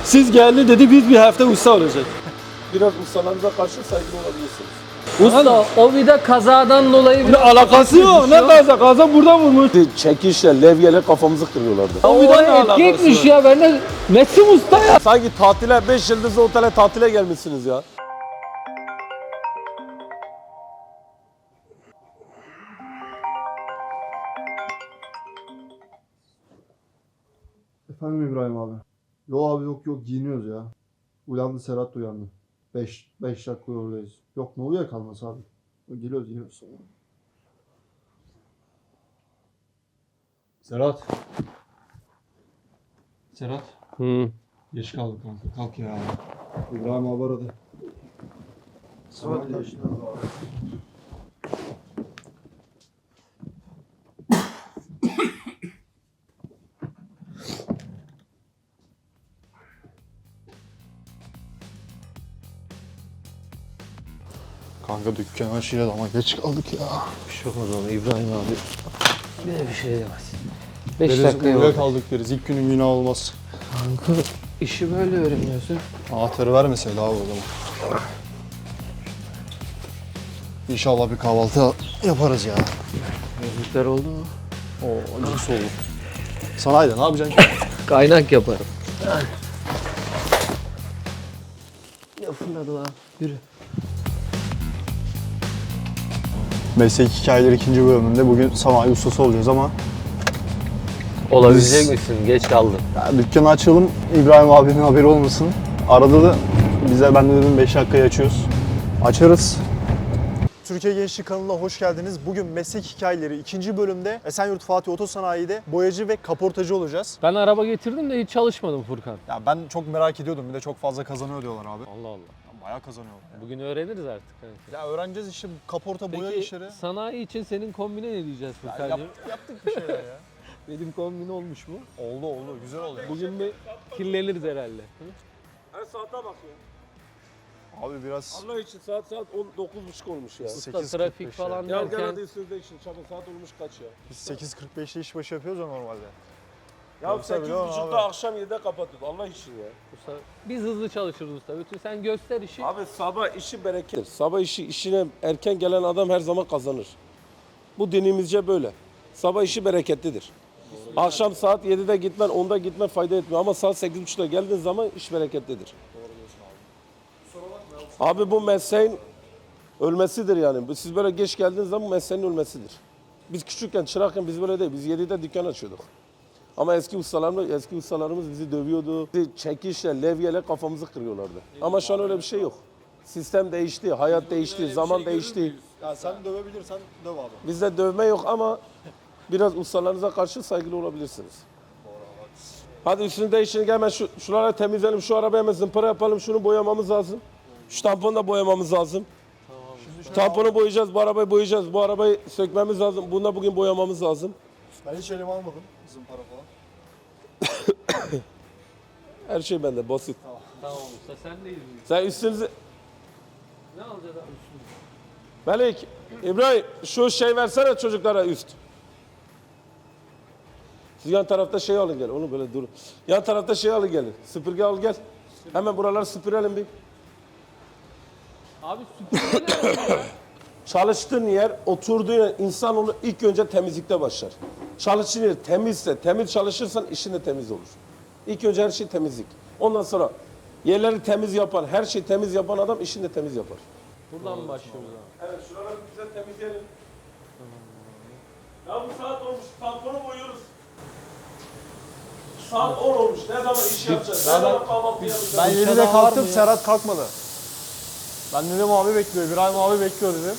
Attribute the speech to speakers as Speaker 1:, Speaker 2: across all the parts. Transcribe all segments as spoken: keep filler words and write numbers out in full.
Speaker 1: Siz geldi dedi biz bir hafta usta olacak. Biraz ustalarınıza karşı saygılı olabilirsiniz.
Speaker 2: Usta o vida kazadan dolayı
Speaker 1: Ne
Speaker 2: biraz
Speaker 1: alakası yok. Ne
Speaker 2: düşüyor.
Speaker 1: kaza? Kaza burada vurmuş. Çekişle, levyeyle kafamızı kırıyorlardı.
Speaker 2: O vida etki etmiş ya, ben de Messi usta ya.
Speaker 1: Sanki tatile, beş yıldızlı otele tatile gelmişsiniz ya.
Speaker 3: Efendim İbrahim abi. Yok abi yok yok giyiniyoruz ya. Uyandı Serhat da uyandı. beş beş dakika oradayız. Yok ne uyuyakalması abi. Geliyoruz geliyoruz.
Speaker 4: Serhat. Serhat.
Speaker 2: Hı.
Speaker 4: Geç kaldık kanka. Kalk ya.
Speaker 3: İbrahim abi aradı.
Speaker 4: Saat kaç? Kanka dükkan açıyla ama geç kaldık ya.
Speaker 2: Bir şey olmaz ona İbrahim abi. Bir bir şey demez. beş
Speaker 4: Deriz,
Speaker 2: dakika
Speaker 4: uyuya
Speaker 2: yok.
Speaker 4: kaldık deriz. İlk günün günah olmaz.
Speaker 2: Kanka işi böyle öğreniyorsun.
Speaker 4: Anahtarı vermeseydi abi o zaman. İnşallah bir kahvaltı yaparız ya.
Speaker 2: Müzikler oldu mu?
Speaker 4: Oo nasıl olur? Sanayide ne yapacaksın ki?
Speaker 2: Kaynak yaparım. Ya fırladı lan. Yürü.
Speaker 4: Meslek hikayeleri ikinci bölümünde bugün sanayi ustası olacağız ama
Speaker 2: Olabilecek
Speaker 4: Biz-
Speaker 2: misin? Geç kaldın.
Speaker 4: ya dükkanı açalım, İbrahim abinin haberi olmasın. Arada da bize, ben de dedim beş dakikaya açıyoruz. Açarız. Türkiye Gençlik kanalına hoş geldiniz. Bugün meslek hikayeleri ikinci bölümde Esenyurt Fatih Otosanayi'de boyacı ve kaportacı olacağız.
Speaker 2: Ben araba getirdim de hiç çalışmadım Furkan.
Speaker 4: Ya ben çok merak ediyordum. Bir de çok fazla kazanıyor diyorlar abi.
Speaker 2: Allah Allah.
Speaker 4: Ya bayağı kazanıyorlar. Ya.
Speaker 2: Bugün öğreniriz artık. Kanka.
Speaker 4: Ya öğreneceğiz işte bu kaporta boya
Speaker 2: Peki
Speaker 4: işleri.
Speaker 2: sanayi için senin kombine ne diyeceğiz
Speaker 4: Ya
Speaker 2: Furkan'cığım?
Speaker 4: yap- yaptık bir şeyler ya.
Speaker 2: Benim kombine olmuş mu?
Speaker 4: Oldu oldu, güzel oldu. ya.
Speaker 2: Bugün bir kirleniriz herhalde. Hı?
Speaker 1: Her saate bak ya.
Speaker 4: Abi biraz
Speaker 1: Allah için saat saat on dokuz buçuk olmuş ya.
Speaker 2: Usta
Speaker 4: sekiz kırk
Speaker 2: trafik
Speaker 4: beş
Speaker 2: falan
Speaker 1: Ya gel
Speaker 2: derken
Speaker 1: hadi üstünüzde için çabuk saat olmuş kaç ya.
Speaker 4: biz sekiz kırk beşte iş başı yapıyoruz ya normalde.
Speaker 1: Ya
Speaker 4: Yoksa
Speaker 1: sekiz
Speaker 4: biliyorum
Speaker 1: buçukta
Speaker 4: abi.
Speaker 1: akşam yedide kapattık Allah için ya.
Speaker 2: usta, biz hızlı çalışırız usta. Bütün sen göster işi.
Speaker 1: Abi sabah işi berekettir. Sabah işi işine erken gelen adam her zaman kazanır. Bu dinimizce böyle. Sabah işi bereketlidir. Akşam saat yedide gitmen, onda gitmen fayda etmiyor ama saat sekiz buçukta geldiğin zaman iş bereketlidir. Abi bu mesleğin ölmesidir yani. Siz böyle geç geldiğiniz zaman bu mesleğin ölmesidir. Biz küçükken, çırakken biz böyle değil. Biz yedide dükkan açıyorduk. Ama eski ustalarımız, eski ustalarımız bizi dövüyordu. Bizi çekişle, levyeyle kafamızı kırıyorlardı. Ama şu an öyle bir şey yok. Sistem değişti, hayat değişti, zaman değişti.
Speaker 4: Ya sen dövebilirsen döv abi.
Speaker 1: Bizde dövme yok ama biraz ustalarınıza karşı saygılı olabilirsiniz. Hadi üstünü değiştirin, hemen şu, şuraları temizleyelim, şu arabayı hemen zımpara yapalım, şunu boyamamız lazım. Şu tamponu da boyamamız lazım. Şu tamponu boyayacağız, bu arabayı boyayacağız, bu arabayı sökmemiz lazım. Bunu da bugün boyamamız lazım.
Speaker 4: Ben hiç elime almadım zımpara falan.
Speaker 1: Her şey bende, basit.
Speaker 2: Tamam usta sen neyiz biz?
Speaker 1: Sen üstünüzü...
Speaker 2: Ne alacağız abi üstümüze?
Speaker 1: Melik, İbrahim şu şey versene çocuklara üst. Siz yan tarafta şey alın gel, onu böyle dur. Yan tarafta şey alın gelin, süpürge al gel. Hemen buraları süpürelim bir.
Speaker 2: Abi süpürge ne ya?
Speaker 1: Çalıştığın yer, oturduğun yer, insanoğlu ilk önce temizlikte başlar. Çalıştığın yer temizse, temiz çalışırsan işin de temiz olur. İlk önce her şey temizlik. Ondan sonra yerleri temiz yapan, her şeyi temiz yapan adam işini de temiz yapar.
Speaker 2: Buradan mı başlıyoruz abi?
Speaker 1: Evet, şuraları güzel temizleyelim. Ya bu saat olmuş, tamponu boyuyoruz. Saat on olmuş, ne zaman iş yapacağız, ne zaman kahvaltı yapacağız?
Speaker 4: Ben
Speaker 2: İşe
Speaker 4: yedide
Speaker 2: daha var
Speaker 4: kalktım,
Speaker 2: mı ya?
Speaker 4: Serhat kalkmadı. Ben dedim abi bekliyor, İbrahim abi bekliyor dedim.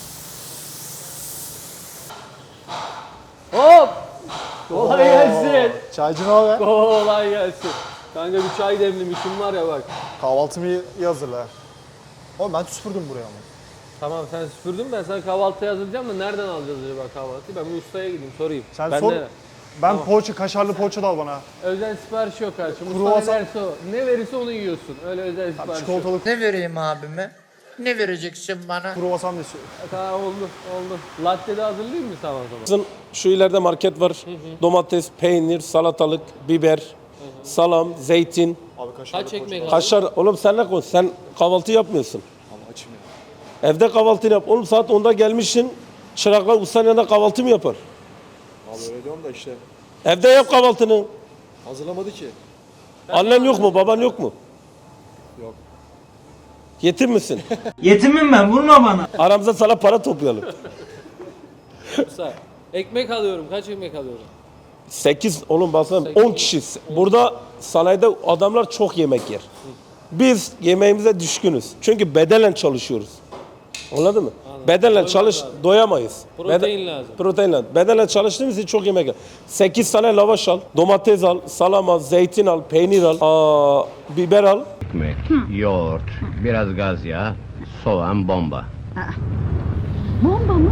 Speaker 2: Hop! Kolay gelsin.
Speaker 4: Çaycı ne haber?
Speaker 2: Kolay gelsin. Kanka bir çay demlemişim var ya bak.
Speaker 4: Kahvaltımı iyi iyi hazırla. Oğlum ben süpürdüm buraya ama.
Speaker 2: Tamam sen süpürdün, ben sana kahvaltıya hazırlayacağım da nereden alacağız acaba kahvaltıyı? Ben bir ustaya gideyim sorayım.
Speaker 4: Sen
Speaker 2: ben
Speaker 4: sor.
Speaker 2: de-
Speaker 4: Ben poğaça, kaşarlı poğaça da al bana.
Speaker 2: Özel sipariş yok kardeşim. Usta
Speaker 4: Kruvasan-
Speaker 2: ne derse o. Ne verirse onu yiyorsun. Öyle özel sipariş yok.
Speaker 4: Çikolatalı
Speaker 5: Ne vereyim abime? Ne vereceksin bana?
Speaker 4: kruvasan da istiyorum.
Speaker 2: E, Tamam oldu oldu. Latte de hazırlayayım mı sana o zaman?
Speaker 1: Şu ileride market var. Domates, peynir, salatalık, biber, salam, zeytin,
Speaker 4: Abi kaşarlı
Speaker 2: Kaç ekmek aldın?
Speaker 1: kaşar. Oğlum sen ne koy? Sen kahvaltı yapmıyorsun.
Speaker 4: Abi açım ya.
Speaker 1: Evde kahvaltını yap. Oğlum saat onda gelmişsin. Çıraklar ustanın yanında kahvaltı mı yapar?
Speaker 4: Abi öyle diyorum da işte
Speaker 1: Evde yap kahvaltını.
Speaker 4: hazırlamadı ki.
Speaker 1: Annen yok mu? Baban yok mu?
Speaker 4: Yok.
Speaker 1: Yetim misin?
Speaker 6: Yetimim ben, vurma bana.
Speaker 1: Aramıza sana para toplayalım.
Speaker 2: Usta. Ekmek alıyorum. Kaç ekmek alıyorum?
Speaker 1: sekiz oğlum baksana
Speaker 2: Sekiz.
Speaker 1: on kişi. Burada sanayide adamlar çok yemek yer. Biz yemeğimize düşkünüz. Çünkü bedenen çalışıyoruz. Anladın mı? Bedenle
Speaker 2: Doymak
Speaker 1: çalış
Speaker 2: lazım.
Speaker 1: doyamayız.
Speaker 2: Protein lazım.
Speaker 1: Protein lazım. Bedenle çalıştığımız için çok yemek yer. sekiz tane lavaş al, domates al, salam al, zeytin al, peynir al, aa, biber al.
Speaker 7: Ekmek, yoğurt, biraz gaz yağı, soğan, bomba.
Speaker 8: Bomba mı?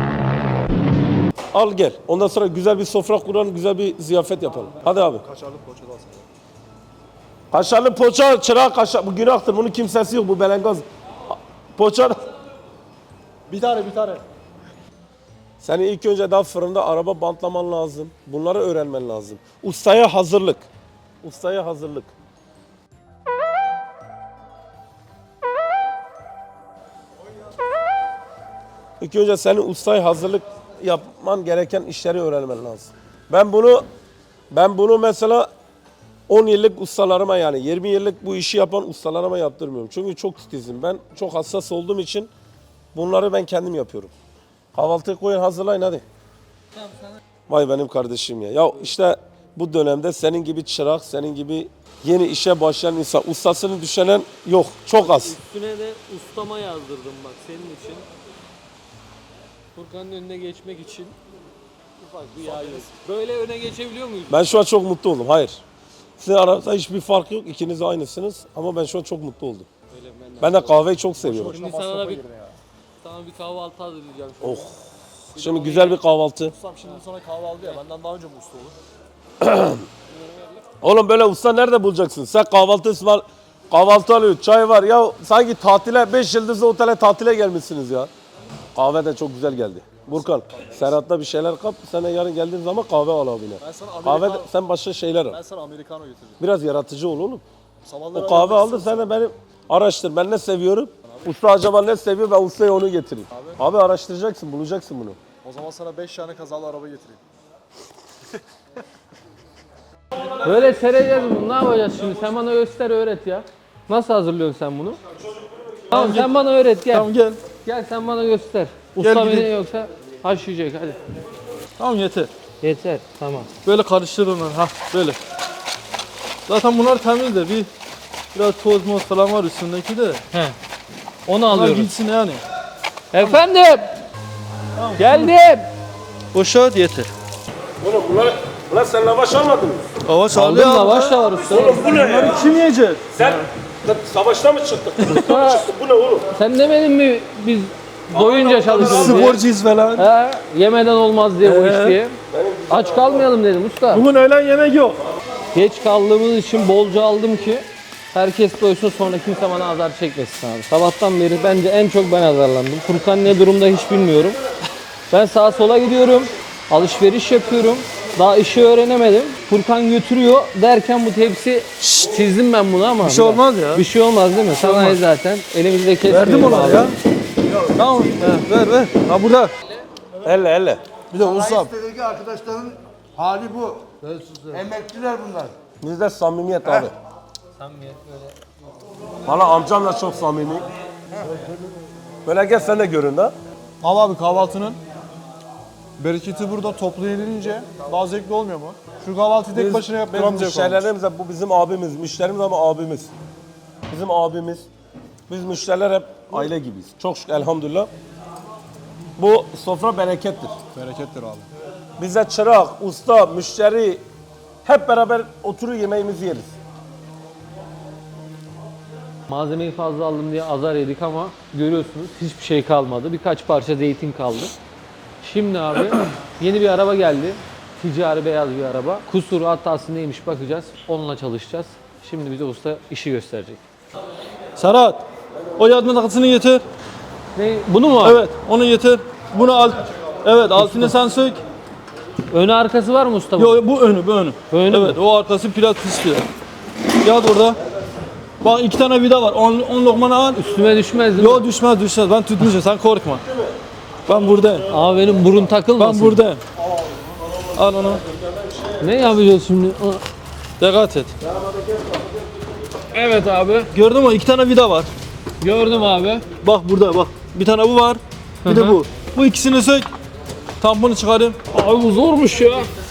Speaker 1: Al gel. Ondan sonra güzel bir sofra kuralım, güzel bir ziyafet yapalım. Hadi abi.
Speaker 4: Kaşarlı poğaça da alsana.
Speaker 1: Kaşarlı poğaça, çırağı kaşar. Bu günahtır. Bunun kimsesi yok. Bu belengaz. Poğaça.
Speaker 4: Bir tane bir tane.
Speaker 1: Senin ilk önce daha fırında araba bantlaman lazım. Bunları öğrenmen lazım. Ustaya hazırlık. Ustaya hazırlık. İlk önce senin ustaya hazırlık yapman gereken işleri öğrenmen lazım. Ben bunu ben bunu mesela on yıllık ustalarıma yani yirmi yıllık bu işi yapan ustalarıma yaptırmıyorum. Çünkü çok titizim. Ben çok hassas olduğum için bunları ben kendim yapıyorum. Kahvaltıyı koyun hazırlayın hadi. Vay benim kardeşim ya. Ya işte bu dönemde senin gibi çırak, senin gibi yeni işe başlayan insan, ustasını düşünen yok. Çok az.
Speaker 2: Üstüne de ustama yazdırdım bak senin için. Furkan'ın önüne geçmek için. Ufak bir yağ yok. Böyle öne geçebiliyor muyuz?
Speaker 1: Ben şu an çok mutlu oldum. Hayır. Sizin aranızda hiçbir fark yok. İkiniz de aynısınız. Ama ben şu an çok mutlu oldum.
Speaker 2: Öyle ben de.
Speaker 1: Ben de kahveyi çok seviyorum.
Speaker 2: Şimdi sana da bir, sana bir kahvaltı hazırlayacağım. Şöyle.
Speaker 1: Oh. Şimdi güzel bir kahvaltı.
Speaker 4: Ustam şimdi sana kahve aldı ya benden daha önce mi usta olur?
Speaker 1: Oğlum böyle usta nerede bulacaksın? Sen kahvaltı ısmar, kahvaltı alıyor, çay var. Ya sanki tatile, beş yıldızlı otele tatile gelmişsiniz ya. Kahve de çok güzel geldi. Burkan, Serhat'ta bir şeyler kap. Sen de yarın geldiğin zaman kahve al abine.
Speaker 4: Ben sana
Speaker 1: Kahve de,
Speaker 4: Amerikan,
Speaker 1: sen başka şeyler al.
Speaker 4: ben sana Americano getireceğim.
Speaker 1: Biraz yaratıcı ol oğlum.
Speaker 4: Sabahları
Speaker 1: O kahve
Speaker 4: ayarlamak
Speaker 1: aldı,
Speaker 4: istiyorsan-
Speaker 1: sen de benim araştır. Ben ne seviyorum? Usta acaba ne seviyor? Ben ustaya onu getireyim. Abi, araştıracaksın, bulacaksın bunu.
Speaker 4: O zaman sana beş tane kazalı araba getireyim.
Speaker 2: Böyle sereceğiz bunu. Ne yapacağız şimdi? Sen bana göster öğret ya. Nasıl hazırlıyorsun sen bunu? Tamam sen bana öğret gel.
Speaker 9: Tamam gel.
Speaker 2: Gel sen bana göster. Usta beni
Speaker 9: gidelim.
Speaker 2: yoksa haşlayacak hadi.
Speaker 9: Tamam yeter.
Speaker 2: Yeter tamam.
Speaker 9: Böyle karıştır onları. Ha böyle. Zaten bunlar temiz de bir biraz toz moz falan var üstündeki de.
Speaker 2: He. Onu
Speaker 9: Bunlar
Speaker 2: alıyoruz.
Speaker 9: gitsin yani.
Speaker 2: Efendim. Geldim.
Speaker 9: Boşalt yeter.
Speaker 1: Oğlum bunlar, bunlar sen lavaş almadın mı?
Speaker 9: Hava sağlıyor
Speaker 2: Aldım
Speaker 9: abi.
Speaker 2: lavaş da var usta.
Speaker 1: Bu ne ya?
Speaker 9: Kim yiyecek?
Speaker 1: Sen sen savaşta mı çıktın? Savaşta mı çıktın? Bu ne oğlum?
Speaker 2: Sen demedin mi biz doyunca çalışırız diye?
Speaker 9: Sporcuyuz falan.
Speaker 2: He, yemeden olmaz diye bu iş
Speaker 9: Ee?
Speaker 2: diye. Aç kalmayalım dedim usta.
Speaker 9: Bugün öğlen yemek yok.
Speaker 2: Geç kaldığımız için bolca aldım ki herkes doysun sonra kimse bana azar çekmesin abi. Sabahtan beri bence en çok ben azarlandım. Furkan ne durumda hiç bilmiyorum. Ben sağa sola gidiyorum. Alışveriş yapıyorum. Daha işi öğrenemedim. Furkan götürüyor derken bu tepsi çizdim ben bunu ama.
Speaker 9: Bir şey olmaz ya.
Speaker 2: Bir şey olmaz değil mi? Sanayi zaten. Elimizde kesmeyelim
Speaker 9: Verdim ona
Speaker 2: abi.
Speaker 9: ya. Tamam he, ver ver. Ha burada.
Speaker 1: Elle elle.
Speaker 9: Bir de ustam.
Speaker 10: Sitedeki arkadaşların hali bu. Emekliler bunlar.
Speaker 1: Bizde samimiyet abi. Samimiyet böyle. Valla amcam da çok samimi. Böyle gel sen de görün de.
Speaker 4: Ama abi kahvaltının bereketi burada toplu yenilince daha zevkli olmuyor mu? Şu kahvaltıyı tek başına yap
Speaker 1: Biz
Speaker 4: duramayacak olmuş.
Speaker 1: müşterilerimiz de bu bizim abimiz. Müşterimiz ama abimiz. Bizim abimiz. Biz müşteriler hep aile gibiyiz. Çok şükür elhamdülillah. Bu sofra berekettir.
Speaker 4: Berekettir abi.
Speaker 1: Bize çırak, usta, müşteri hep beraber oturur yemeğimizi yeriz.
Speaker 2: Malzemeyi fazla aldım diye azar yedik ama görüyorsunuz hiçbir şey kalmadı. Birkaç parça zeytin kaldı. Şimdi abi yeni bir araba geldi. Ticari beyaz bir araba. Kusuru hatası neymiş bakacağız. Onunla çalışacağız. Şimdi bize usta işi gösterecek.
Speaker 9: Serhat. O yardım takısını getir.
Speaker 2: Ne? Bunu mu abi?
Speaker 9: Evet onu getir. Bunu al. Evet altını sen sök.
Speaker 2: Önü arkası var mı usta?
Speaker 9: Yok yo, bu önü bu önü.
Speaker 2: Önü
Speaker 9: evet
Speaker 2: mü?
Speaker 9: o arkası plat istiyor. Yat orada. Bak iki tane vida var. on, on lokmanı al.
Speaker 2: Üstüme düşmez değil mi?
Speaker 9: Yok düşmez düşmez. Ben tutmayacağım sen korkma. Ben buradayım.
Speaker 2: Abi benim burun takılmasın.
Speaker 9: Ben buradayım. Al onu.
Speaker 2: Ne yapacağız şimdi?
Speaker 9: Dikkat et.
Speaker 2: Evet abi.
Speaker 9: Gördün mü? İki tane vida var.
Speaker 2: Gördüm abi.
Speaker 9: Bak burada bak. Bir tane bu var. Bir
Speaker 2: Hı
Speaker 9: de
Speaker 2: hı.
Speaker 9: bu. Bu ikisini sök. Tamponu çıkarayım.
Speaker 2: Abi bu zormuş ya.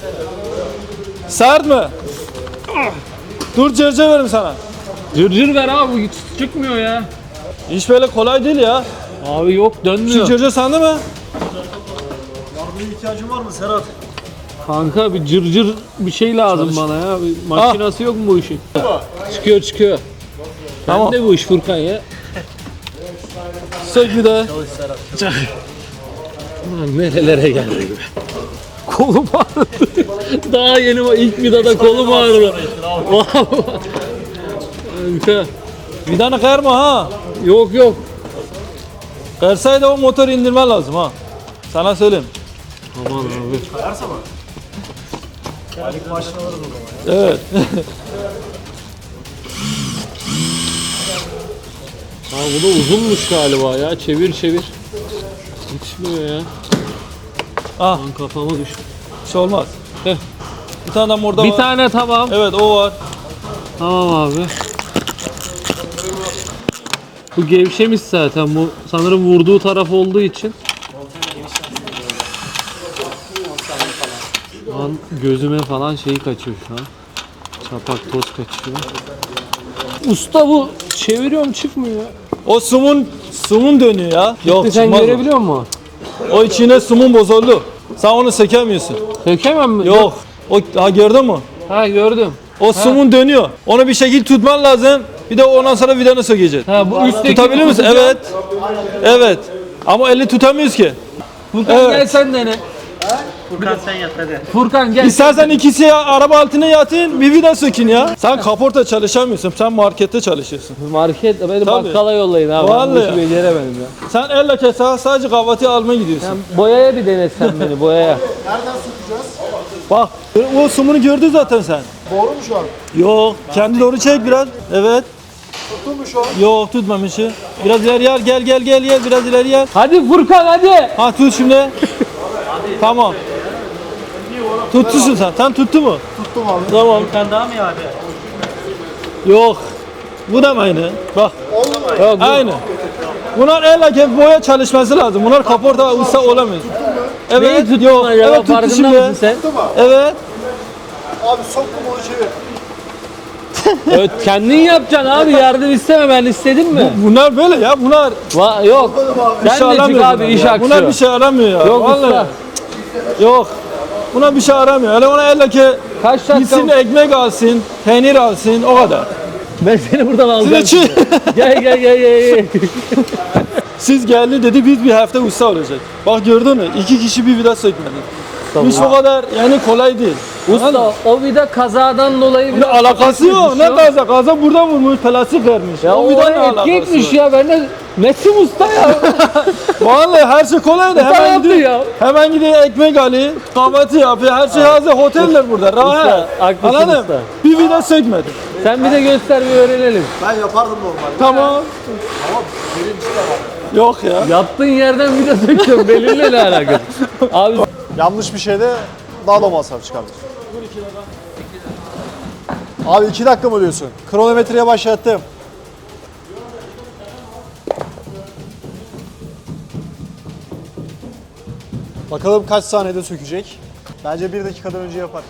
Speaker 9: Sert mi? Dur cırcır veririm sana.
Speaker 2: Cırcır ver abi, bu hiç çıkmıyor ya.
Speaker 9: İş böyle kolay değil ya.
Speaker 2: Abi yok,
Speaker 9: Şu
Speaker 2: dönmüyor.
Speaker 9: cırcır sende mi?
Speaker 4: Yardımına ihtiyacın var mı Serhat?
Speaker 2: Kanka bir cırcır bir şey lazım bana ya. Bir makinası yok mu bu işin? Çıkıyor çıkıyor.
Speaker 9: Tamam.
Speaker 2: Tamam. Ne bu iş Furkan ya?
Speaker 9: Sök bir de.
Speaker 2: Ulan nerelere geldik be. Kolum ağrıdı. Daha yeni o ilk vidada kolum ağrıdı. Kanka.
Speaker 9: Vidanı kayırma ha.
Speaker 2: Yok yok.
Speaker 9: Kayırsaydı o motoru indirmen lazım ha. Sana söyleyeyim.
Speaker 2: Aman abi.
Speaker 9: Evet.
Speaker 2: Ha bu da uzunmuş galiba ya. Çevir çevir. Yetişmiyor ya.
Speaker 9: Ah.
Speaker 2: Lan kafama düştü.
Speaker 9: Bir şey olmaz.
Speaker 2: Heh.
Speaker 9: Bir tane de orada
Speaker 2: Bir
Speaker 9: var.
Speaker 2: tane tamam.
Speaker 9: Evet o var.
Speaker 2: Tamam abi. Bu gevşemiş zaten, bu sanırım vurduğu taraf olduğu için. Şu an gözüme falan şeyi kaçıyor şu an. Çapak toz kaçıyor. Usta bu çeviriyorum çıkmıyor.
Speaker 9: O sumun sumun dönüyor ya. Yok
Speaker 2: Sen
Speaker 9: çıkmaz o.
Speaker 2: görebiliyor musun?
Speaker 9: O içine sumun bozuldu. Sen onu sökemiyorsun.
Speaker 2: Sökemem mi?
Speaker 9: Yok. O ha gördün mü?
Speaker 2: Ha gördüm.
Speaker 9: O sumun dönüyor. Onu bir şekilde tutman lazım. Bir de ondan sonra vidanı sökeceksin.
Speaker 2: Ha bu üstteki
Speaker 9: Tutabilir misin?
Speaker 2: tutacağım.
Speaker 9: Evet. Evet. Ama eli tutamıyoruz ki.
Speaker 2: Furkan
Speaker 9: Evet.
Speaker 2: gel sen dene.
Speaker 6: Furkan sen yat hadi.
Speaker 2: Furkan gel.
Speaker 9: İstersen ikisi ya, araba altına yatın, bir vida sökün ya. Sen kaporta çalışamıyorsun. Sen markette çalışıyorsun.
Speaker 2: Market beni
Speaker 9: Tabii.
Speaker 2: bakkala yollayın abi. Ben bu
Speaker 9: Vallahi
Speaker 2: işi beceremedim ya.
Speaker 9: Sen elle kesa sadece kahvaltı almaya gidiyorsun.
Speaker 2: Sen boyaya bir denetsen beni boyaya.
Speaker 9: Bak o sumunu gördün zaten sen.
Speaker 3: Doğru mu şu an?
Speaker 9: Yok. Kendi doğru çek biraz. Evet.
Speaker 3: Tuttu mu şu an?
Speaker 9: Yok tutmamışı. Biraz ileri gel gel gel gel gel biraz ileri gel.
Speaker 2: Hadi Furkan hadi.
Speaker 9: Ha tut şimdi. Tamam. Tuttusun sen. Sen tuttu mu?
Speaker 3: Tuttum abi.
Speaker 9: Tamam.
Speaker 6: Furkan daha mı ya abi?
Speaker 9: Yok. Bu da mı aynı? Bak.
Speaker 2: Yok, bu-
Speaker 9: Aynı. Bunlar el hakem boya çalışması lazım. Bunlar kaporta usta olamıyor. Evet.
Speaker 2: Neyi tuttun
Speaker 9: Yok.
Speaker 2: acaba?
Speaker 9: Evet tuttu
Speaker 2: Farkında
Speaker 9: şimdi.
Speaker 2: mısın sen?
Speaker 9: Evet.
Speaker 3: Abi soktum onu çevir.
Speaker 2: Evet, kendin yapacaksın abi, yardım isteme, ben istedim mi?
Speaker 9: Bunlar böyle ya. Bunlar
Speaker 2: Va yok.
Speaker 9: bir
Speaker 2: Sen
Speaker 9: şey
Speaker 2: de çık
Speaker 9: aramıyor
Speaker 2: abi
Speaker 9: bunlar
Speaker 2: iş
Speaker 9: ya.
Speaker 2: aksıyor.
Speaker 9: Bunlar bir şey aramıyor ya.
Speaker 2: Yok
Speaker 9: Vallahi.
Speaker 2: usta.
Speaker 9: Yok. Buna bir şey aramıyor. Hele ona elle ki
Speaker 2: Kaç dakika?
Speaker 9: gitsin ekmek alsın, peynir alsın o kadar.
Speaker 2: Ben seni buradan alacağım.
Speaker 9: Siz, için,
Speaker 2: Gel gel gel gel. gel.
Speaker 9: siz geldi dedi biz bir hafta usta olacak. Bak gördün mü? İki kişi bir vida sökmedi. İş o kadar yani kolay değil.
Speaker 2: Usta o vida kazadan dolayı
Speaker 9: Ne
Speaker 2: biraz
Speaker 9: alakası yok. Ne
Speaker 2: düşüyor.
Speaker 9: kaza? Kaza burada vurmuş, plastik vermiş.
Speaker 2: Ya o
Speaker 9: vida ne
Speaker 2: etki etmiş
Speaker 9: var?
Speaker 2: ya, ben de Mesim usta ya.
Speaker 9: Vallahi her şey kolay da
Speaker 2: Usta
Speaker 9: hemen
Speaker 2: yaptı
Speaker 9: gidiyor.
Speaker 2: ya.
Speaker 9: Hemen gidiyor ekmek alıyor, kahvaltı yapıyor. Her şey hazır. Oteller burada. Rahat.
Speaker 2: haklısın
Speaker 9: Anladın?
Speaker 2: usta.
Speaker 9: Bir vida sökmedi.
Speaker 2: Sen bir de göster, bir öğrenelim.
Speaker 3: Ben yapardım normalde.
Speaker 9: Tamam. Yok ya.
Speaker 2: Yattığın yerden vida söküyorum, belirle ne alakası. Abi
Speaker 4: Yanlış bir şeyde daha da masraf çıkardır. Abi iki dakika mı diyorsun? Kronometreye başlattım. Bakalım kaç saniyede sökecek? Bence bir dakikadan önce yapar.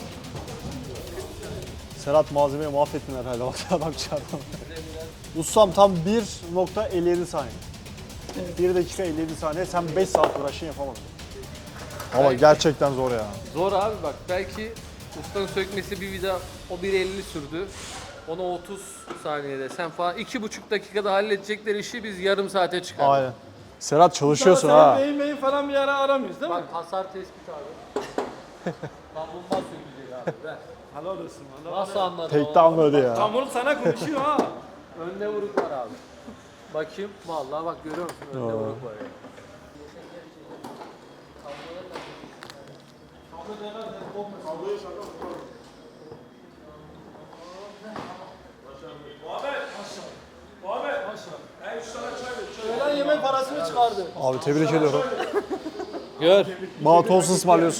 Speaker 4: Serhat malzemeyi mahvettin herhalde. Bak adam çarptı. Ustam tam bir nokta elli yedi saniye. bir dakika elli yedi saniye. Sen beş saat uğraşın yapamadın. Ama gerçekten zor ya.
Speaker 2: zor abi, bak belki ustanın sökmesi bir vida o bir elli sürdü. Onu otuz saniyede sen falan iki buçuk dakikada halledecekleri işi biz yarım saate çıkardık.
Speaker 4: Aynen. Serhat çalışıyorsun
Speaker 9: Sen
Speaker 4: ha.
Speaker 9: beyin beyin falan bir yere aramıyoruz değil mi?
Speaker 2: Bak hasar tespit abi. Tam bulmaz sökülecek abi. Ver.
Speaker 9: Helal olsun. Helal.
Speaker 2: Nasıl anladın?
Speaker 4: Tekte anladı ya.
Speaker 9: Kamil sana konuşuyor ha.
Speaker 2: Önde vuruk var abi. Bakayım. Vallahi bak görüyor musun? Önde vuruk var ya.
Speaker 9: Öğlen yemek parasını çıkardı.
Speaker 4: Abi tebrik ediyorum.
Speaker 2: Gör.
Speaker 4: Bana tost ısmarlıyorsun.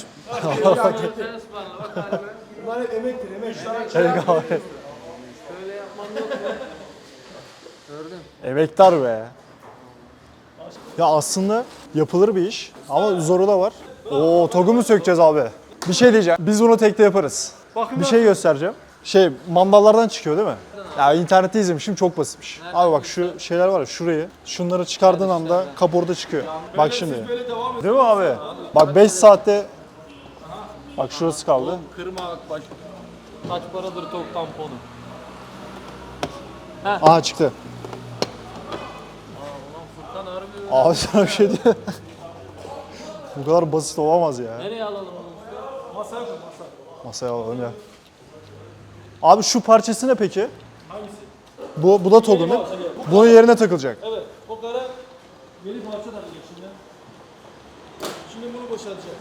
Speaker 9: Bunlar hep emektir, emek.
Speaker 4: Tebrik abi.
Speaker 2: Böyle yapman yok mu? Gördün.
Speaker 4: Emektar be. Ya aslında yapılır bir iş ama zoru da var. Oo, togu mu sökeceğiz abi? Bir şey diyeceğim. Biz bunu tekte yaparız. Bir şey göstereceğim. Şey, mandallardan çıkıyor değil mi? Ya internette izlemişim, çok basitmiş. Abi bak şu şeyler var ya, şurayı, şunları çıkardığın anda kaporta çıkıyor. Bak şimdi. Değil mi abi? Bak beş saatte, bak şurası kaldı.
Speaker 2: Kırma bak. Kaç paradır tok tamponu?
Speaker 4: Aha çıktı.
Speaker 2: Furkan harbi.
Speaker 4: Abi sana bir şey diyeyim. Bu kadar basit olamaz ya.
Speaker 2: Nereye alalım onu?
Speaker 9: Masaya koy, masa.
Speaker 4: Masaya alalım ya. Abi şu parçası ne peki?
Speaker 9: Hangisi?
Speaker 4: Bu, bu da togun değil mi? Bunun yerine takılacak.
Speaker 9: Evet, o kara yeni parça takacak şimdi. Şimdi bunu boşaltacağız.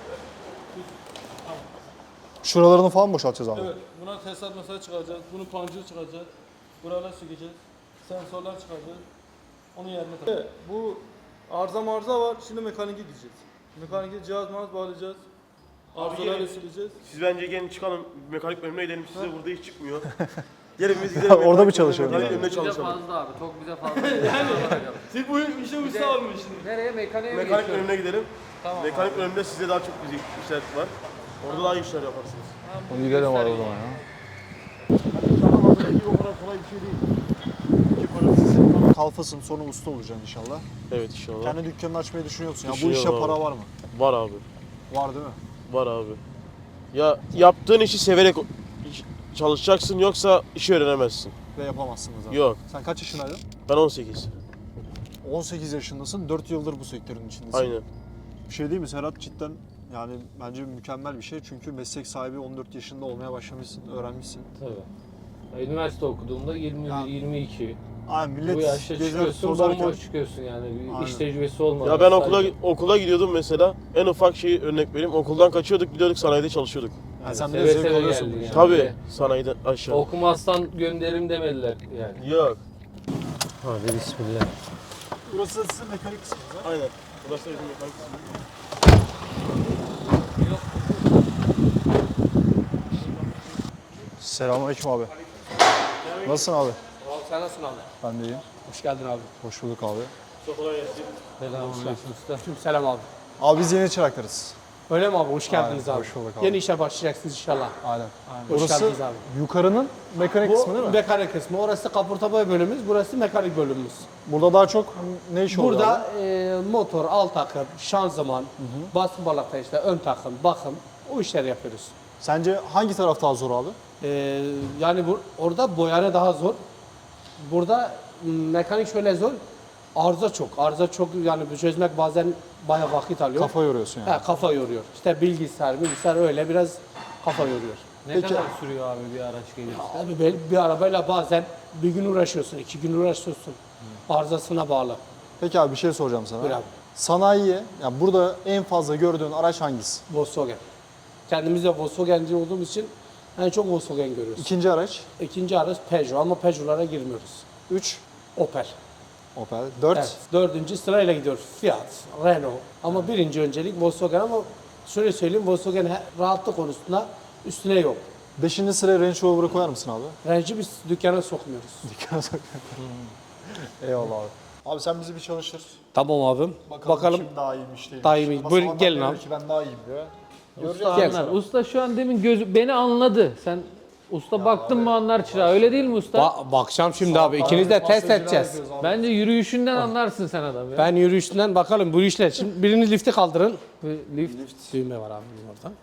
Speaker 4: Şuralarını falan boşaltacağız abi.
Speaker 9: Evet, buna tesisat mesela çıkaracağız. Bunu pancır çıkaracağız. Buralar sökeceğiz. Sensörler çıkaracağız. Onun yerine takacağız. Evet, bu arıza marza var. Şimdi mekanike gideceğiz. Mekanike cihaz mağaz bağlayacağız. Arızalarla sileceğiz.
Speaker 11: Siz bence gelin çıkalım mekanik bölümüne gidelim. Size burada hiç çıkmıyor. Gelin biz gidelim.
Speaker 4: Orada mı çalışıyoruz
Speaker 11: Mekanik
Speaker 4: yani?
Speaker 11: bölümüne
Speaker 2: Bize
Speaker 11: çalışalım.
Speaker 2: fazla abi. Çok bize fazla.
Speaker 9: Siz bu işe usta olmuş şimdi.
Speaker 2: Nereye? Mekaniğe mi
Speaker 11: Mekanik
Speaker 2: geçiyoruz?
Speaker 11: bölümüne gidelim.
Speaker 2: Tamam
Speaker 11: Mekanik bölümünde size daha çok güzel işler var. Orada daha iyi işler yaparsınız.
Speaker 4: Onu gidelim abi o zaman ya.
Speaker 11: O kadar kolay bir şey değil. İki parasız.
Speaker 4: Kalfasın sonra usta olacaksın inşallah.
Speaker 11: Evet inşallah.
Speaker 4: Kendi dükkanını açmayı düşünüyorsun. Ya bu
Speaker 11: Düşünüyorum
Speaker 4: işe
Speaker 11: abi.
Speaker 4: para var mı?
Speaker 11: Var abi.
Speaker 4: Var değil mi?
Speaker 11: Var abi. Ya yaptığın işi severek çalışacaksın yoksa işi öğrenemezsin.
Speaker 4: Ve yapamazsın da zaten.
Speaker 11: Yok.
Speaker 4: Sen kaç yaşındaydın?
Speaker 11: Ben on sekiz.
Speaker 4: on sekiz yaşındasın. dört yıldır bu sektörün içindesin.
Speaker 11: Aynen.
Speaker 4: Bir şey değil mi Serhat? Cidden yani bence mükemmel bir şey. Çünkü meslek sahibi on dört yaşında olmaya başlamışsın, öğrenmişsin.
Speaker 2: Tabii. Ya, üniversite okuduğumda yirmi,
Speaker 4: Ya,
Speaker 2: yirmi iki.
Speaker 4: Ay millet
Speaker 2: Bu yaşta
Speaker 4: gezer,
Speaker 2: çıkıyorsun,
Speaker 4: tozarken-
Speaker 2: bomboş çıkıyorsun yani. Bir
Speaker 4: Aynen.
Speaker 2: iş tecrübesi olmadan.
Speaker 11: Ya ben okula
Speaker 2: Sadece-
Speaker 11: okula gidiyordum mesela. En ufak şeyi örnek vereyim. Okuldan kaçıyorduk, gidiyorduk sanayide çalışıyorduk.
Speaker 4: Yani sen
Speaker 2: Seve
Speaker 4: de zevk
Speaker 2: seve
Speaker 4: alıyorsun.
Speaker 2: geldin
Speaker 4: bu
Speaker 2: yani.
Speaker 4: işe.
Speaker 11: Tabii sanayide aşağı.
Speaker 2: Okumazsan gönderim demediler yani.
Speaker 11: Yok.
Speaker 2: Hadi bismillah.
Speaker 4: Burası da sizin mekanik kısmınız ha?
Speaker 11: Aynen. Burası da bizim mekanik kısmı.
Speaker 4: Selamünaleyküm abi. Nasılsın abi?
Speaker 6: Abi sen nasılsın abi?
Speaker 4: Ben de iyiyim.
Speaker 6: Hoş geldin abi.
Speaker 4: Hoş bulduk abi.
Speaker 11: Çok kolay gelsin.
Speaker 2: Selamünaleyküm usta.
Speaker 6: Tüm selam abi.
Speaker 4: Abi biz yeni çıraklarız.
Speaker 6: Öyle mi abi? Hoş geldiniz
Speaker 4: Aynen,
Speaker 6: abi.
Speaker 4: hoş bulduk abi.
Speaker 6: Yeni işe başlayacaksınız inşallah.
Speaker 4: Aynen.
Speaker 6: Hoş
Speaker 4: Burası
Speaker 6: geldiniz abi.
Speaker 4: yukarının mekanik kısmı değil
Speaker 6: Bu
Speaker 4: mi?
Speaker 6: mekanik kısmı. Orası kaporta boya bölümümüz, burası mekanik bölümümüz.
Speaker 4: Burada daha çok ne iş oluyor abi?
Speaker 6: Burada e, motor, alt takım, şanzıman, basın balata işte, ön takım, bakım o işleri yapıyoruz.
Speaker 4: Sence hangi taraf daha zor abi?
Speaker 6: E, yani bu, orada boyana daha zor. Burada m, mekanik şöyle zor. Arıza çok. Arıza çok yani bu çözmek bazen bayağı vakit alıyor.
Speaker 4: Kafa yoruyorsun yani.
Speaker 6: He, kafa yoruyor. İşte bilgisayar, bilgisayar öyle biraz kafa yoruyor.
Speaker 2: Ne
Speaker 4: Peki-
Speaker 2: kadar sürüyor abi bir araç gelirse?
Speaker 6: Abi bir, bir arabayla bazen bir gün uğraşıyorsun, iki gün uğraşıyorsun. Arızasına bağlı.
Speaker 4: Peki abi bir şey soracağım sana.
Speaker 6: Buyur abi.
Speaker 4: Sanayiye, yani burada en fazla gördüğün araç hangisi?
Speaker 6: Volkswagen. Kendimiz de Volkswagen'ci olduğumuz için en çok Volkswagen görüyoruz.
Speaker 4: İkinci araç?
Speaker 6: İkinci araç Peugeot ama Peugeot'lara girmiyoruz.
Speaker 4: Üç?
Speaker 6: Opel.
Speaker 4: Opel. Dört?
Speaker 6: Evet. Dördüncü sırayla gidiyoruz. Fiat, Renault. Ama birinci öncelik Volkswagen ama şöyle söyleyeyim Volkswagen he- rahatlık konusunda üstüne yok.
Speaker 4: Beşinci sıraya Range Rover'ı koyar mısın abi?
Speaker 6: Range'i biz dükkana sokmuyoruz.
Speaker 4: Dükkana sokuyorum. Eyvallah abi. Abi sen bizi bir çalıştır.
Speaker 6: Tamam abim. Bakalım.
Speaker 4: kim daha iyiymiş değil.
Speaker 6: Daha iyi mi? Buyurun, gelin abi.
Speaker 4: Ki ben daha iyiyim diyor.
Speaker 2: Usta
Speaker 6: Gel.
Speaker 2: anlar. Usta şu an demin göz beni anladı. Sen usta baktın mı anlar çırağı. Öyle değil mi usta?
Speaker 6: Ba- bakacağım şimdi abi. İkiniz de test edeceğiz.
Speaker 2: Bence yürüyüşünden anlarsın sen adam ya.
Speaker 6: Ben yürüyüşünden bakalım bu işler. Şimdi birini lifte kaldırın.
Speaker 2: Bir lift.
Speaker 6: Düğme var abi bizim orada.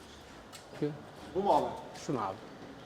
Speaker 4: Bu mu abi?
Speaker 6: Şunu abi.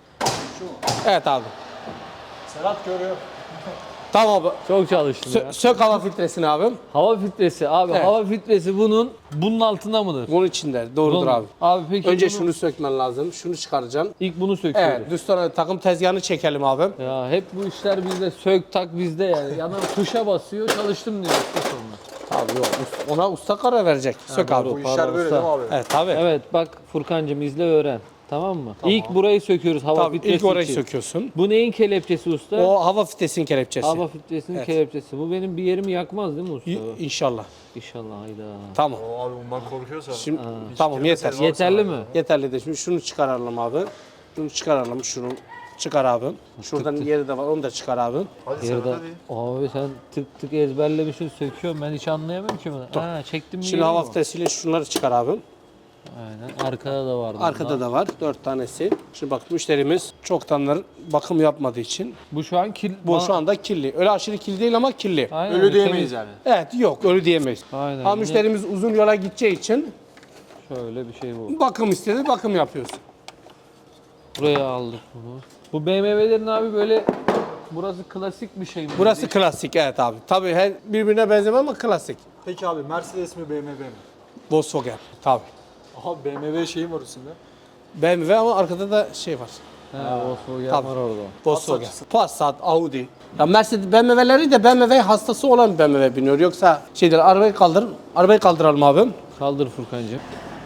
Speaker 6: Evet abi.
Speaker 4: Serhat görüyor.
Speaker 6: Tamam abi.
Speaker 2: Çok çalıştın
Speaker 6: Sö-
Speaker 2: ya.
Speaker 6: sök hava filtresini abim.
Speaker 2: Hava filtresi abi.
Speaker 6: Evet.
Speaker 2: Hava filtresi bunun bunun altında mıdır?
Speaker 6: Bunun içinde. Doğrudur
Speaker 2: Bunun-
Speaker 6: abi.
Speaker 2: Abi peki
Speaker 6: Önce
Speaker 2: bunu-
Speaker 6: şunu sökmen lazım. Şunu çıkaracaksın.
Speaker 2: ilk bunu söküyoruz.
Speaker 6: Evet. Düz sonra takım tezgahını çekelim abim.
Speaker 2: Ya hep bu işler bizde sök tak bizde yani. Adam tuşa basıyor çalıştım diyor usta sonra.
Speaker 6: Abi yok. Usta- Ona usta karar verecek. Sök abi.
Speaker 2: doğru, pardon, usta.
Speaker 4: abi?
Speaker 6: Evet tabii.
Speaker 2: Evet bak Furkancığım izle öğren. Tamam mı? İlk burayı söküyoruz hava
Speaker 6: Tabii
Speaker 2: filtresi
Speaker 6: ilk orayı
Speaker 2: için.
Speaker 6: söküyorsun.
Speaker 2: Bu neyin kelepçesi usta?
Speaker 6: O hava fitesinin kelepçesi.
Speaker 2: Hava filtresinin
Speaker 6: Evet.
Speaker 2: kelepçesi. Bu benim bir yerimi yakmaz değil mi usta?
Speaker 6: İ- İnşallah.
Speaker 2: İnşallah hayda.
Speaker 6: Tamam.
Speaker 4: Abi bundan korkuyorsa.
Speaker 6: Şimdi tamam yeter.
Speaker 2: Yeterli mi?
Speaker 6: Yeterli de şimdi şunu çıkaralım abi. Şunu çıkaralım. Şunu çıkar abi. Şuradan yeri de var. Onu da çıkar abi.
Speaker 4: Hadi
Speaker 2: Yerde...
Speaker 4: Serhat hadi.
Speaker 2: Abi sen tık tık ezberlemişsin söküyorum. Ben hiç anlayamıyorum ki bunu. Ha çektim mi?
Speaker 6: Şimdi
Speaker 2: yeri
Speaker 6: hava
Speaker 2: mi?
Speaker 6: fitesiyle şunları çıkar abi.
Speaker 2: Aynen. Arkada da vardı.
Speaker 6: Arkada da var. Dört tanesi. Şimdi bak müşterimiz çoktandır bakım yapmadığı için.
Speaker 2: Bu şu an kil...
Speaker 6: Bu şu anda kirli. Öyle aşırı kirli değil ama kirli.
Speaker 2: Aynen,
Speaker 4: Ölü
Speaker 2: temiz.
Speaker 4: diyemeyiz yani.
Speaker 6: Evet yok öyle diyemeyiz.
Speaker 2: Aynen.
Speaker 6: Ama
Speaker 2: Yine
Speaker 6: müşterimiz uzun yola gideceği için
Speaker 2: şöyle bir şey bu.
Speaker 6: bakım istedi, bakım yapıyoruz.
Speaker 2: Buraya aldık bunu. Bu B M W'lerin abi böyle burası klasik bir şey mi?
Speaker 6: Burası klasik evet abi. Tabii her birbirine benzemez ama klasik.
Speaker 4: Peki abi Mercedes mi B M W mi?
Speaker 6: Volkswagen tabii.
Speaker 4: Aha B M W şeyi var üstünde.
Speaker 6: B M W ama arkada da şey var.
Speaker 2: He, Volkswagen
Speaker 6: Tabii.
Speaker 2: var orada.
Speaker 6: Volkswagen. Passat, Audi. Ya Mercedes B M W'leri de B M W hastası olan B M W biniyor. Yoksa şey değil, arabayı kaldır. Arabayı kaldıralım abim.
Speaker 2: Kaldır Furkancığım.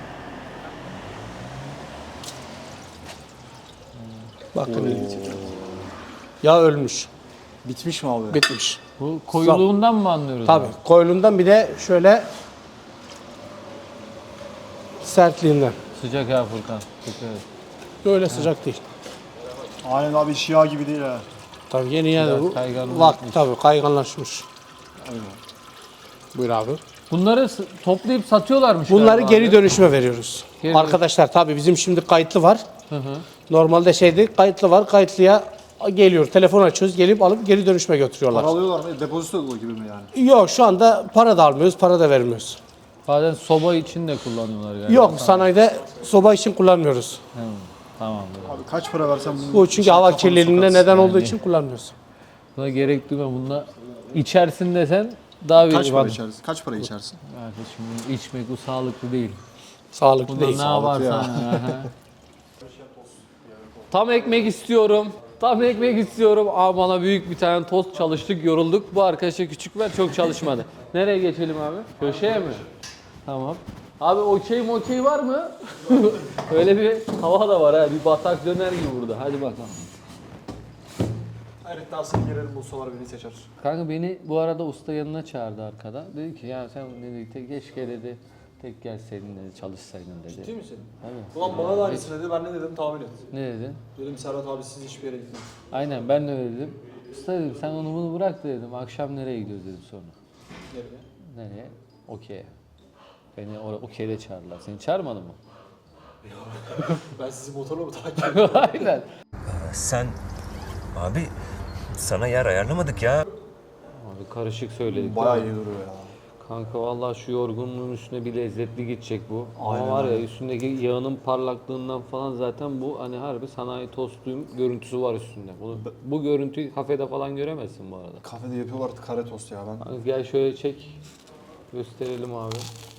Speaker 6: Bakın. Ya ölmüş,
Speaker 4: Bitmiş mi abi?
Speaker 6: bitmiş.
Speaker 2: Bu koyuluğundan mı anlıyoruz?
Speaker 6: Tabii.
Speaker 2: abi?
Speaker 6: Koyulundan bir de şöyle sertliğinden.
Speaker 2: Sıcak ha Furkan. Dikkat et.
Speaker 6: Böyle sıcak değil.
Speaker 4: Aynen abi şia gibi değil ha.
Speaker 6: Tabii yeni yani bu.
Speaker 2: kayganlaşmış.
Speaker 6: Bak tabii kayganlaşmış. Buyur abi.
Speaker 2: Bunları s- toplayıp satıyorlarmış
Speaker 6: Bunları
Speaker 2: galiba
Speaker 6: geri
Speaker 2: abi.
Speaker 6: dönüşüme veriyoruz.
Speaker 2: Geri-
Speaker 6: Arkadaşlar tabii bizim şimdi kayıtlı var.
Speaker 2: Hı hı.
Speaker 6: Normalde şeydi kayıtlı var. Kayıtlıya geliyor. Telefon açıyoruz. Gelip alıp geri dönüşüme götürüyorlar.
Speaker 4: Para alıyorlar mı? Depozito gibi mi yani?
Speaker 6: Yok şu anda para da almıyoruz. Para da vermiyoruz.
Speaker 2: Bazen soba için de kullanıyorlar galiba.
Speaker 6: Yok sanayide soba için kullanmıyoruz.
Speaker 2: Hı, tamam.
Speaker 4: Abi kaç para versen bunu...
Speaker 6: Bu çünkü hava kirliliğine neden olduğu için kullanmıyoruz.
Speaker 2: Buna gerek duyma. Bunda içersin desen daha bir...
Speaker 4: Kaç para
Speaker 2: Bak-
Speaker 4: içersin? Kaç para içersin?
Speaker 2: Arkadaşım bunu içmek bu sağlıklı değil.
Speaker 6: Sağlıklı
Speaker 2: Bunda
Speaker 6: değil.
Speaker 2: ne yaparsan. Aha. Tam ekmek istiyorum. Tam ekmek istiyorum. Aa, bana büyük bir tane tost çalıştık, yorulduk. Bu arkadaşa küçük ver, çok çalışmadı. Nereye geçelim abi? Köşeye mi? Tamam. Abi okey mi okey var mı? Öyle bir hava da var ha. Bir batak döner gibi burada. Hadi bakalım.
Speaker 4: Evet dersini girelim bulsalar beni seçer.
Speaker 2: Kanka beni bu arada usta yanına çağırdı arkada. Dedi ki ya sen dedi te- keşke dedi tek gelseydin dedi çalışsaydın dedi.
Speaker 4: Ciddi misin?
Speaker 2: Tabii.
Speaker 4: Ulan bana da aynısını dedi. Ben ne dedim tahmin et.
Speaker 2: Ne dedin?
Speaker 4: Dedim Serhat abi siz hiçbir yere gitmeyin.
Speaker 2: Aynen ben de öyle dedim. Usta dedim sen onu bunu bırak da dedim. Akşam nereye gidiyoruz dedim sonra.
Speaker 4: Nereye?
Speaker 2: Nereye? Okey'e. Beni oraya okey'de çağırdılar. Seni çağırmadı mı?
Speaker 4: Ben sizi motorla mı takip ediyorum?
Speaker 2: Aynen.
Speaker 12: Sen abi sana yer ayarlamadık ya.
Speaker 2: Abi karışık söyledik.
Speaker 4: Bayağı
Speaker 2: değil
Speaker 4: iyi
Speaker 2: mi?
Speaker 4: duruyor ya.
Speaker 2: Kanka vallahi şu yorgunluğun üstüne bir lezzetli gidecek bu.
Speaker 4: Aynen
Speaker 2: Ama var ya
Speaker 4: öyle.
Speaker 2: üstündeki yağının parlaklığından falan zaten bu hani harbi sanayi tostuyum görüntüsü var üstünde. Bunu, bu görüntüyü kafede falan göremezsin bu arada.
Speaker 4: Kafede yapıyorlar kare tost ya ben.
Speaker 2: Kanka gel şöyle çek. Gösterelim abi.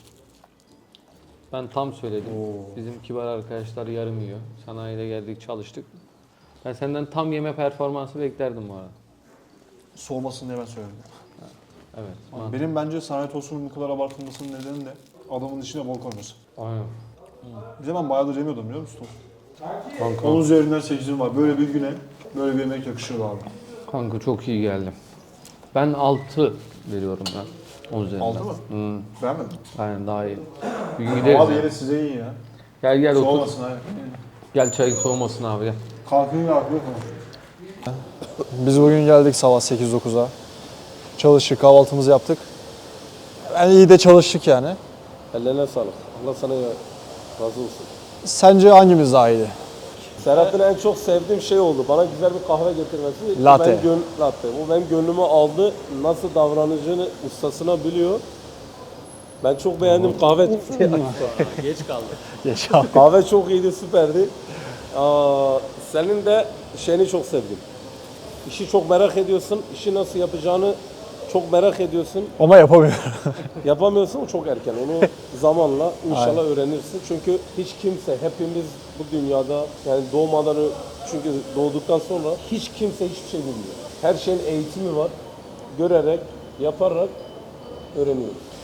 Speaker 2: Ben tam söyledim. Bizim kibar arkadaşlar yarım yiyor. Sanayide geldik çalıştık. Ben senden tam yeme performansı beklerdim bu arada.
Speaker 4: Soğumasın diye ben söyledim.
Speaker 2: Evet.
Speaker 4: Ama benim bence sanayi tostunun bu kadar abartılmasının nedeni de adamın içine bol koyması.
Speaker 2: Aynen.
Speaker 4: Bir de ben bayağıdır yemiyordum biliyor musun?
Speaker 2: Kanka,
Speaker 4: on üzerinden sekizim var. Böyle bir güne böyle bir yemek yakışıyor abi.
Speaker 2: kanka çok iyi geldi. Ben altı veriyorum ben. on üzerinden.
Speaker 4: Altı mı?
Speaker 2: Hı.
Speaker 4: Beğenmedin mi?
Speaker 2: Aynen daha iyi. Bir gün gideriz
Speaker 4: Abi
Speaker 2: ya.
Speaker 4: yine size iyi ya.
Speaker 2: Gel gel otur.
Speaker 4: Soğumasın abi.
Speaker 2: Gel çay soğumasın abi gel.
Speaker 4: Kalkın ya yok mu?
Speaker 3: Biz bugün geldik sabah sekiz dokuza. Çalıştık, kahvaltımızı yaptık. Yani iyi de çalıştık yani.
Speaker 1: Ellerine sağlık. Allah sana ya- razı olsun.
Speaker 3: Sence hangimiz daha iyiydi?
Speaker 1: Serhat'ın en çok sevdiğim şey oldu. Bana güzel bir kahve getirmesi.
Speaker 3: Latte.
Speaker 1: Ben gön latte. Bu benim gönlümü aldı. Nasıl davranacağını ustasına biliyor. Ben çok beğendim kahve.
Speaker 2: Geç kaldık.
Speaker 3: Geç abi.
Speaker 1: Kahve çok iyiydi, süperdi. Aa, senin de şeyini çok sevdim. İşi çok merak ediyorsun. İşi nasıl yapacağını çok merak ediyorsun.
Speaker 3: Ama yapamıyorum.
Speaker 1: Yapamıyorsun çok erken. Onu zamanla inşallah öğrenirsin. Çünkü hiç kimse, hepimiz bu dünyada yani doğmadan ö- çünkü doğduktan sonra hiç kimse hiçbir şey bilmiyor. Her şeyin eğitimi var. Görerek, yaparak öğreniyoruz.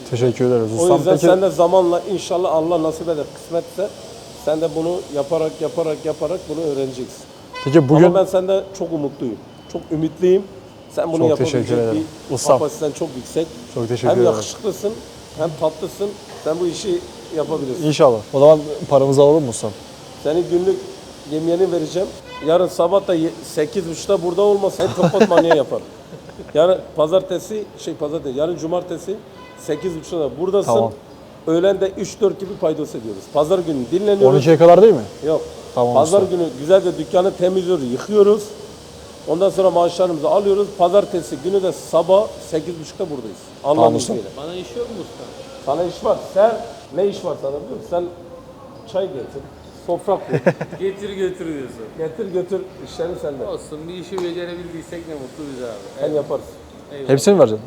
Speaker 4: Teşekkür ederiz
Speaker 1: O
Speaker 4: ustam.
Speaker 1: yüzden
Speaker 4: Peki
Speaker 1: sen de zamanla inşallah Allah nasip eder, kısmetse sen de bunu yaparak yaparak yaparak bunu öğreneceksin.
Speaker 4: peki bugün
Speaker 1: Ama ben sende çok umutluyum. Çok ümitliyim. Sen bunu
Speaker 4: Çok teşekkür
Speaker 1: yapabilecek
Speaker 4: ederim.
Speaker 1: bir
Speaker 4: Ustam.
Speaker 1: kapasiten çok yüksek.
Speaker 4: çok teşekkür
Speaker 1: Hem
Speaker 4: ederim.
Speaker 1: yakışıklısın hem tatlısın. Sen bu işi yapabilirsin.
Speaker 4: İnşallah. O zaman paramızı alalım mı ustam?
Speaker 1: Senin günlük yemeğini vereceğim. Yarın sabah da ye- sekiz buçukta burada olmasa kapat manyağı yaparım. Yarın pazartesi, şey pazartesi, yarın cumartesi sekiz buçukta da buradasın.
Speaker 4: Tamam.
Speaker 1: Öğlen de üç dört gibi paydos ediyoruz. Pazar günü dinleniyoruz.
Speaker 4: on ikiye kadar değil mi?
Speaker 1: Yok.
Speaker 4: Tamam
Speaker 1: Pazar
Speaker 4: usta.
Speaker 1: günü güzelce dükkanı temizliyoruz, yıkıyoruz. Ondan sonra maaşlarımızı alıyoruz. Pazartesi günü de sabah sekiz buçukta buradayız. Allah'ın
Speaker 4: Tamam usta.
Speaker 1: izniyle.
Speaker 2: Bana iş yok mu usta?
Speaker 1: Sana iş var. Sen ne iş var sana biliyor musun? Sen çay getir, sofra kur,
Speaker 2: Getir götür diyorsun.
Speaker 1: getir götür işlerin sende.
Speaker 2: Olsun bir işi becerebildiysek ne mutlu bize abi.
Speaker 1: Sen yaparsın.
Speaker 4: Hepsini mi vereceksin?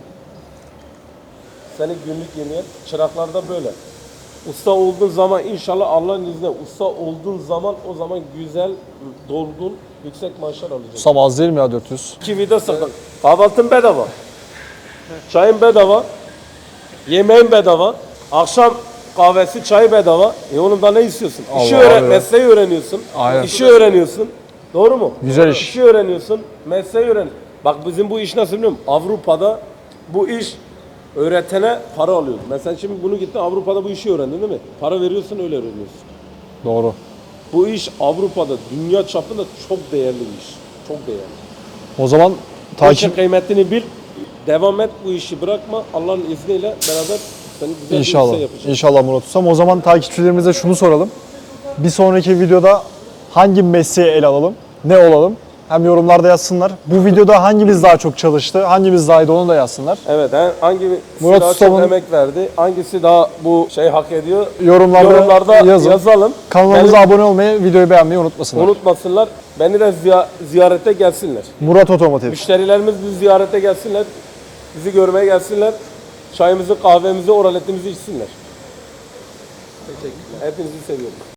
Speaker 1: Senin günlük yemeğin çıraklarda böyle. Usta olduğun zaman inşallah Allah'ın izniyle usta olduğun zaman o zaman güzel, dolgun, yüksek maaşlar alacaksın.
Speaker 4: Ustam az değil mi ya dört yüz?
Speaker 1: İki vida sakın. Kahvaltın bedava. Çayın bedava. Yemeğin bedava. Akşam kahvesi, çay bedava. E oğlum da ne istiyorsun? İşi
Speaker 4: Allah
Speaker 1: öğren,
Speaker 4: Allah.
Speaker 1: mesleği öğreniyorsun.
Speaker 4: Aynen.
Speaker 1: İşi öğreniyorsun. Doğru mu?
Speaker 4: Güzel iş.
Speaker 1: İşi öğreniyorsun, mesleği öğren. Bak bizim bu iş nasıl biliyor musun? Avrupa'da bu iş öğretene para alıyor. Mesela şimdi bunu gittin Avrupa'da bu işi öğrendin değil mi? Para veriyorsun öyle öğreniyorsun.
Speaker 4: Doğru.
Speaker 1: Bu iş Avrupa'da, dünya çapında çok değerli bir iş. Çok değerli.
Speaker 4: O zaman
Speaker 1: Bu işin
Speaker 4: takip
Speaker 1: kıymetini bil. Devam et, bu işi bırakma. Allah'ın izniyle beraber seni güzel
Speaker 4: İnşallah.
Speaker 1: bir işe yapacağız.
Speaker 4: İnşallah Murat Ustam. O zaman takipçilerimize şunu soralım. Bir sonraki videoda hangi mesleği ele alalım? Ne olalım? Hem yorumlarda yazsınlar. Bu videoda hangimiz daha çok çalıştı? Hangimiz daha iyi onu da yazsınlar.
Speaker 1: Evet, he, hangisi
Speaker 4: Murat
Speaker 1: daha çok
Speaker 4: Usta'nın-
Speaker 1: emek verdi? Hangisi daha bu şey hak ediyor?
Speaker 4: Yorumlarda,
Speaker 1: Yorumlarda
Speaker 4: yazın.
Speaker 1: yazalım.
Speaker 4: Kanalımıza
Speaker 1: Benim-
Speaker 4: abone olmayı, videoyu beğenmeyi unutmasınlar.
Speaker 1: Unutmasınlar. Beni de ziya- ziyarete gelsinler.
Speaker 4: Murat Otomotiv.
Speaker 1: Müşterilerimiz bizi ziyarete gelsinler. Bizi görmeye gelsinler. Çayımızı, kahvemizi, oraletimizi içsinler. Teşekkürler. Hepinizi seviyorum.